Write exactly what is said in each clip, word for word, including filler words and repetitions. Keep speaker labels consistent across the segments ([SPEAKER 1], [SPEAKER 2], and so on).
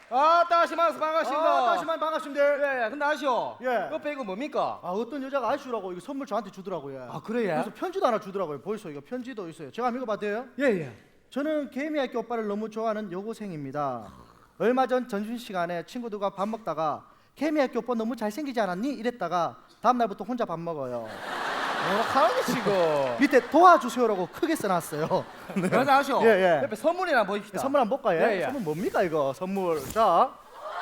[SPEAKER 1] 아, 다시 만나서 반갑습니다.
[SPEAKER 2] 아, 다시 만 반갑습니다.
[SPEAKER 1] 예, 예. 근데 아시오?
[SPEAKER 2] 예.
[SPEAKER 1] 옆에 이거 뭡니까?
[SPEAKER 2] 아, 어떤 여자가 아시오라고 이거 선물 저한테 주더라고요.
[SPEAKER 1] 아, 그래요?
[SPEAKER 2] 그래서 편지도 하나 주더라고요. 보이소, 이거 편지도 있어요. 제가 한번 읽어봐도 돼요?
[SPEAKER 1] 예, 예.
[SPEAKER 2] 저는 개미학교 오빠를 너무 좋아하는 여고생입니다. 얼마 전 점심시간에 친구들과 밥 먹다가 개미학교 오빠 너무 잘생기지 않았니? 이랬다가 다음날부터 혼자 밥 먹어요.
[SPEAKER 1] 뭐 하는 지금?
[SPEAKER 2] 밑에 도와주세요라고 크게 써놨어요. 네.
[SPEAKER 1] 맞아, 아시오?
[SPEAKER 2] 예, 예.
[SPEAKER 1] 옆에 선물이나 보입시다.
[SPEAKER 2] 선물 한번 볼까요?
[SPEAKER 1] 예, 예.
[SPEAKER 2] 선물 뭡니까 이거? 선물. 자,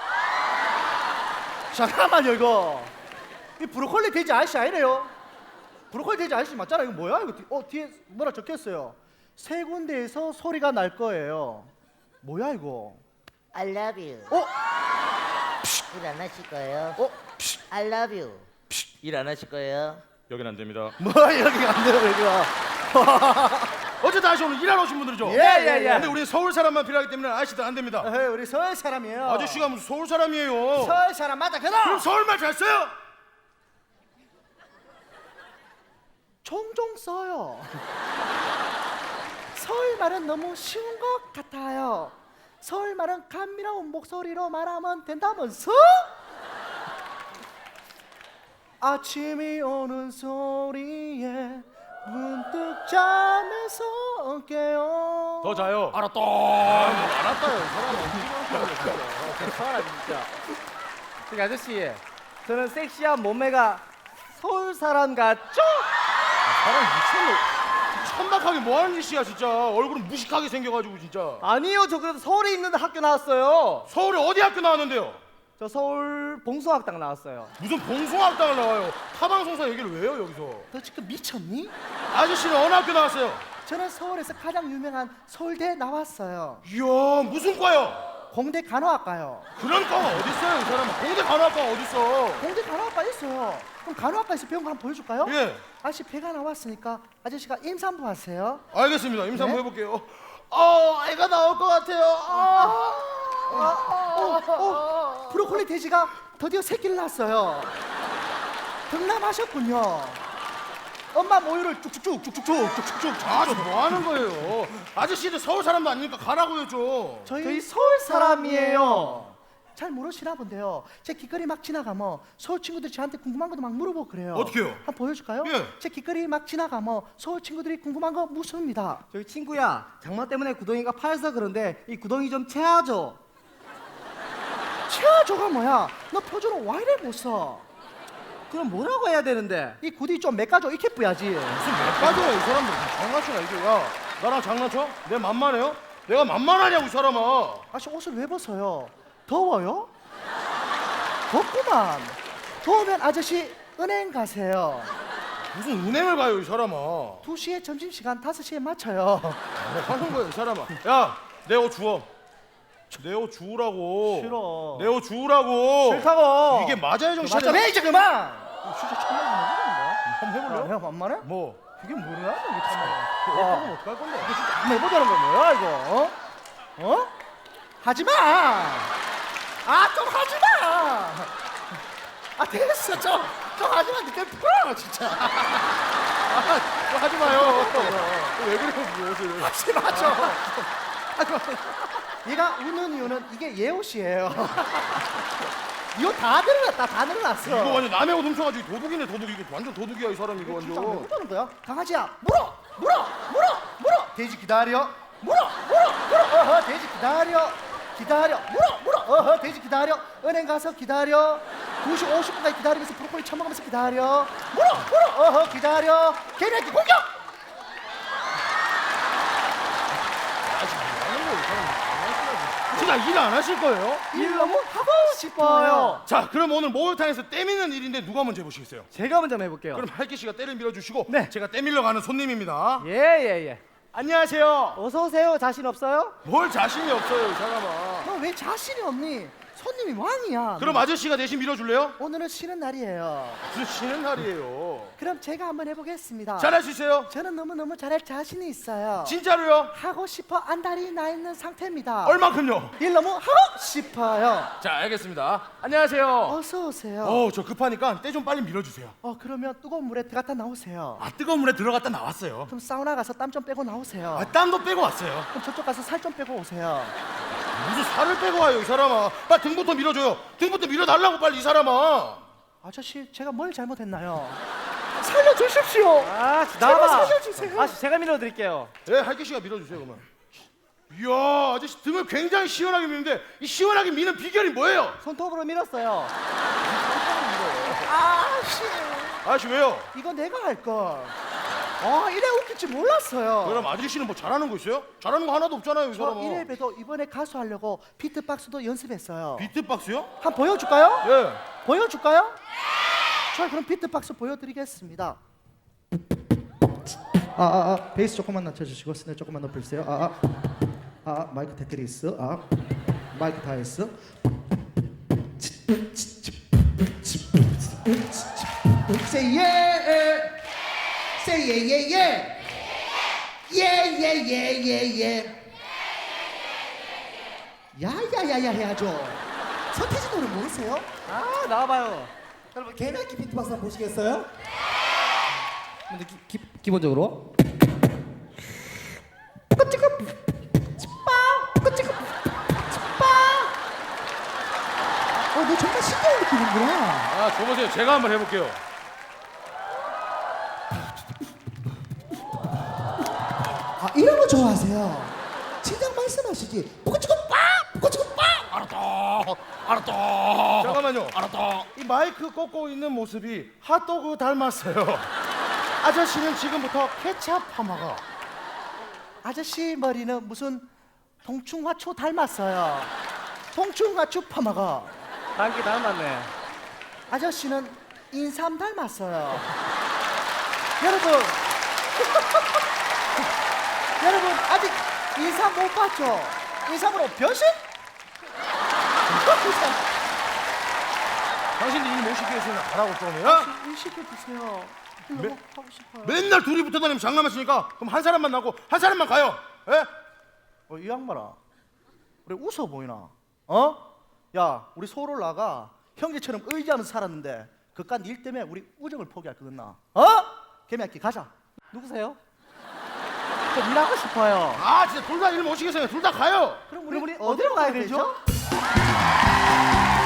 [SPEAKER 2] 잠깐만요 이거. 이 브로콜리 돼지 아저씨 아니래요? 브로콜리 돼지 아저씨 맞잖아. 이거 뭐야? 이거 뒤, 어 뒤에 뭐라 적혔어요? 세 군데에서 소리가 날 거예요. 뭐야 이거?
[SPEAKER 3] I love you.
[SPEAKER 2] 어?
[SPEAKER 3] 일 안 하실 거예요?
[SPEAKER 2] 어?
[SPEAKER 3] I love you. 일 안 하실 거예요?
[SPEAKER 4] 여긴 안 됩니다.
[SPEAKER 2] 뭐 여기가 안 돼요 여기가.
[SPEAKER 4] 어쨌든 아저씨 오늘 일하러 오신 분들이죠?
[SPEAKER 2] 예, 예, 예.
[SPEAKER 4] 근데 우리 서울 사람만 필요하기 때문에 아저씨들 안 됩니다.
[SPEAKER 2] 에헤이, 우리 서울 사람이에요.
[SPEAKER 4] 아저씨가 무슨 서울 사람이에요?
[SPEAKER 2] 서울 사람 맞아 그럼.
[SPEAKER 4] 그럼 서울말 잘 써요?
[SPEAKER 2] 종종 써요. 서울 말은 너무 쉬운 것 같아요. 서울 말은 감미로운 목소리로 말하면 된다면서? 아침이 오는 소리에 문득 잠에서 깨요.
[SPEAKER 4] 더 자요.
[SPEAKER 1] 알았다.
[SPEAKER 4] 알았다요. 이 사람은.
[SPEAKER 1] 괜찮아, 진짜. 저기 아저씨, 저는 섹시한 몸매가 서울 사람 같죠?
[SPEAKER 4] 사람 미쳤네. 천박하게 뭐 하는 짓이야 진짜. 얼굴은 무식하게 생겨가지고 진짜.
[SPEAKER 1] 아니요, 저 그래도 서울에 있는 학교 나왔어요.
[SPEAKER 4] 서울에 어디 학교 나왔는데요?
[SPEAKER 1] 저 서울 봉숭학당 나왔어요.
[SPEAKER 4] 무슨 봉숭아학당을 나와요. 타방송사 얘기를 왜 해요 여기서?
[SPEAKER 2] 너 지금 미쳤니?
[SPEAKER 4] 아저씨는 어느 학교 나왔어요?
[SPEAKER 2] 저는 서울에서 가장 유명한 서울대 나왔어요.
[SPEAKER 4] 이야 무슨 과요?
[SPEAKER 2] 공대 간호학과요.
[SPEAKER 4] 그런 과가 어딨어요 이 사람은. 공대 간호학과가 어딨어?
[SPEAKER 2] 공대 간호학과 있어요. 그럼 간호학과에서 배운 거 한번 보여줄까요?
[SPEAKER 4] 예.
[SPEAKER 2] 아저씨 배가 나왔으니까 아저씨가 임산부 하세요.
[SPEAKER 4] 알겠습니다. 임산부
[SPEAKER 2] 네?
[SPEAKER 4] 해볼게요. 어 애가 나올 것 같아요. 아.
[SPEAKER 2] 어, 어, 브로콜리 돼지가 드디어 새끼를 낳았어요. 등남하셨군요. 엄마 모유를 쭉쭉쭉 쭉쭉쭉 쭉쭉쭉.
[SPEAKER 4] 아저 뭐 하는 거예요? 아저씨들 서울 사람도 아니니까 가라고요 좀.
[SPEAKER 2] 저희,
[SPEAKER 1] 저희 서울 사람이에요.
[SPEAKER 2] 잘 모르시나 본데요. 제 길거리 막 지나가면 서울 친구들이 저한테 궁금한 것도 막 물어보고 그래요.
[SPEAKER 4] 어떻게요?
[SPEAKER 2] 한번 보여줄까요?
[SPEAKER 4] 예.
[SPEAKER 2] 제 길거리 막 지나가면 서울 친구들이 궁금한 거 묻습니다.
[SPEAKER 1] 저기 친구야, 장마 때문에 구덩이가 파여서 그런데 이 구덩이 좀 채워줘.
[SPEAKER 2] 채워줘가 뭐야? 너 표준어 와 이래 못 써?
[SPEAKER 1] 그럼 뭐라고 해야 되는데?
[SPEAKER 2] 이 구디 좀 메꿔줘 이렇게 뿌야지.
[SPEAKER 4] 무슨 몇 가지야 이 사람들. 장난치나 이게. 야 나랑 장난쳐? 내 만만해요? 내가 만만하냐고 이 사람아.
[SPEAKER 2] 아씨 옷을 왜 벗어요? 더워요? 덥구만. 더우면 아저씨 은행 가세요.
[SPEAKER 4] 무슨 은행을 가요 이 사람아. 뭐
[SPEAKER 2] 두 시에 점심시간 다섯 시에 맞춰요.
[SPEAKER 4] 하는 거야 이 사람아. 야 내 옷 주워. 내 옷 주우라고.
[SPEAKER 2] 싫어.
[SPEAKER 4] 내 옷 주우라고.
[SPEAKER 2] 싫다고.
[SPEAKER 4] 이게 맞아요 정신
[SPEAKER 2] 맞아 해 이제 그만. 진짜 천만이
[SPEAKER 4] 한번
[SPEAKER 2] 해볼래?
[SPEAKER 4] 해볼래요?
[SPEAKER 2] 형 만만해?
[SPEAKER 4] 뭐?
[SPEAKER 2] 이게 뭐야? 이게 참아.
[SPEAKER 4] 와 어떡할 건데?
[SPEAKER 2] 한번 해보자는 거 뭐야 이거? 어? 어? 하지 마. 아 좀 하지 마. 아 됐어 좀. 좀 하지 마. 니들 풀어 진짜.
[SPEAKER 4] 아, 하지 마요. 왜 그래요 그 옷을?
[SPEAKER 2] 하지 마 좀. 하지 마. 얘가 우는 이유는 이게 얘 옷이에요. 이거 다 늘어났다 다 늘어났어.
[SPEAKER 4] 이거 완전 남의 옷 훔쳐가지고 도둑이네 도둑. 이거 완전 도둑이야 이 사람 이거
[SPEAKER 2] 진짜 왜
[SPEAKER 4] 완전.
[SPEAKER 2] 그러는 거야? 강아지야 물어 물어 물어 물어 돼지 기다려 물어 물어 물어 어허 돼지 기다려 기다려 물어 물어 어허 돼지 기다려 은행 가서 기다려 두 시 오십 분까지 기다리면서 브로콜리 처먹으면서 기다려 물어 물어 어허 기다려 개새끼 공격.
[SPEAKER 4] 진짜 일 안 하실 거예요?
[SPEAKER 2] 일 너무 하고 싶어요.
[SPEAKER 4] 자 그럼 오늘 목욕탕에서 때 미는 일인데 누가 먼저 해보시겠어요?
[SPEAKER 1] 제가 먼저 해볼게요.
[SPEAKER 4] 그럼 할기 씨가 때를 밀어주시고
[SPEAKER 1] 네.
[SPEAKER 4] 제가 때 밀러 가는 손님입니다.
[SPEAKER 1] 예, 예, 예.
[SPEAKER 4] 안녕하세요.
[SPEAKER 1] 어서 오세요. 자신 없어요?
[SPEAKER 4] 뭘 자신이 없어요 이 사람아.
[SPEAKER 2] 너 왜 자신이 없니? 손님이 왕이야.
[SPEAKER 4] 그럼 아저씨가 대신 밀어줄래요?
[SPEAKER 2] 오늘은 쉬는 날이에요.
[SPEAKER 4] 무슨 쉬는 날이에요.
[SPEAKER 2] 그럼 제가 한번 해보겠습니다.
[SPEAKER 4] 잘할 수 있어요?
[SPEAKER 2] 저는 너무너무 잘할 자신이 있어요.
[SPEAKER 4] 진짜로요?
[SPEAKER 2] 하고 싶어 안달이 나 있는 상태입니다.
[SPEAKER 4] 얼만큼요?
[SPEAKER 2] 일 너무 하고 싶어요.
[SPEAKER 4] 자 알겠습니다. 안녕하세요.
[SPEAKER 2] 어서 오세요.
[SPEAKER 4] 어 저 급하니까 때 좀 빨리 밀어주세요.
[SPEAKER 2] 어 그러면 뜨거운 물에 들어갔다 나오세요.
[SPEAKER 4] 아 뜨거운 물에 들어갔다 나왔어요.
[SPEAKER 2] 그럼 사우나 가서 땀 좀 빼고 나오세요.
[SPEAKER 4] 아 땀도 빼고 왔어요.
[SPEAKER 2] 그럼 저쪽 가서 살 좀 빼고 오세요.
[SPEAKER 4] 무슨 살을 빼고 와요 이 사람아. 빨리 등부터 밀어줘요. 등부터 밀어달라고 빨리 이 사람아.
[SPEAKER 2] 아저씨 제가 뭘 잘못했나요? 살려주십시오.
[SPEAKER 1] 아,
[SPEAKER 2] 제발
[SPEAKER 1] 나와봐.
[SPEAKER 2] 살려주세요.
[SPEAKER 1] 아, 제가 밀어드릴게요.
[SPEAKER 4] 예, 할기 씨가 밀어주세요 그러면. 이야, 아저씨 등을 굉장히 시원하게 미는데 이 시원하게 미는 비결이 뭐예요?
[SPEAKER 1] 손톱으로 밀었어요.
[SPEAKER 2] 아씨,
[SPEAKER 4] 아저씨 왜요?
[SPEAKER 2] 이거 내가 할 걸. 아, 이래 웃길 줄 몰랐어요.
[SPEAKER 4] 그럼 아저씨는 뭐 잘하는 거 있어요? 잘하는 거 하나도 없잖아요 이
[SPEAKER 2] 저
[SPEAKER 4] 사람아.
[SPEAKER 2] 이래봬도 이번에 가수 하려고 비트박스도 연습했어요.
[SPEAKER 4] 비트박스요?
[SPEAKER 2] 한번 보여줄까요?
[SPEAKER 4] 예.
[SPEAKER 2] 보여줄까요? 자, 그럼 비트박스 보여드리겠습니다. 아, 아, 아, 베이스 조금만 낮춰주시고 스네 조금만 높여주세요. 아, 아, 아, 마이크 테트리스. 아, 마이크 다이스. Say yeah, say yeah, yeah, yeah, yeah, yeah, yeah, yeah, yeah. 야야야야 해야죠. 서태지 노래 모르세요?
[SPEAKER 1] 아, 나와봐요.
[SPEAKER 2] 여러분 개나기 비트박스 한번 보시겠어요?
[SPEAKER 1] 근데 기, 기, 기본적으로
[SPEAKER 2] 꼬치고 찌빠 꼬치고 찌빠. 어, 너 정말 신기한 느낌이구나.
[SPEAKER 4] 아, 줘보세요. 제가 한번 해볼게요.
[SPEAKER 2] 아, 이런 거 좋아하세요? 진작 말씀하시지. 꼬치고 빠 꼬치고 빠.
[SPEAKER 4] 알았다. 알았다. 잠깐만요. 알았다. 이 마이크 꽂고 있는 모습이 핫도그 닮았어요. 아저씨는 지금부터 케찹 파마가.
[SPEAKER 2] 아저씨 머리는 무슨 동충하초 닮았어요. 동충하초 파마가.
[SPEAKER 1] 단기 닮았네.
[SPEAKER 2] 아저씨는 인삼 닮았어요. 여러분, 여러분 아직 인삼 못 봤죠? 인삼으로 변신?
[SPEAKER 4] 당신들 일 못 시키겠으면 가라고 좀. 야?
[SPEAKER 2] 일 시켜주세요. 너무
[SPEAKER 4] 매-
[SPEAKER 2] 하고 싶어요.
[SPEAKER 4] 맨날 둘이 붙어 다니면 장난하시니까 그럼 한 사람만 나고 한 사람만 가요. 예?
[SPEAKER 2] 어, 이 양반아, 우리 웃어 보이나? 어? 야, 우리 소롤라가 형제처럼 의지하면서 살았는데 그깟 일 때문에 우리 우정을 포기할 거겠나? 어? 개미야끼 가자.
[SPEAKER 1] 누구세요?
[SPEAKER 2] 좀 일하고 싶어요.
[SPEAKER 4] 아, 진짜 둘 다 일 못 시키겠어요. 둘 다 가요.
[SPEAKER 2] 그럼
[SPEAKER 1] 우리, 우리 어디로 가야 되죠?
[SPEAKER 2] 되죠?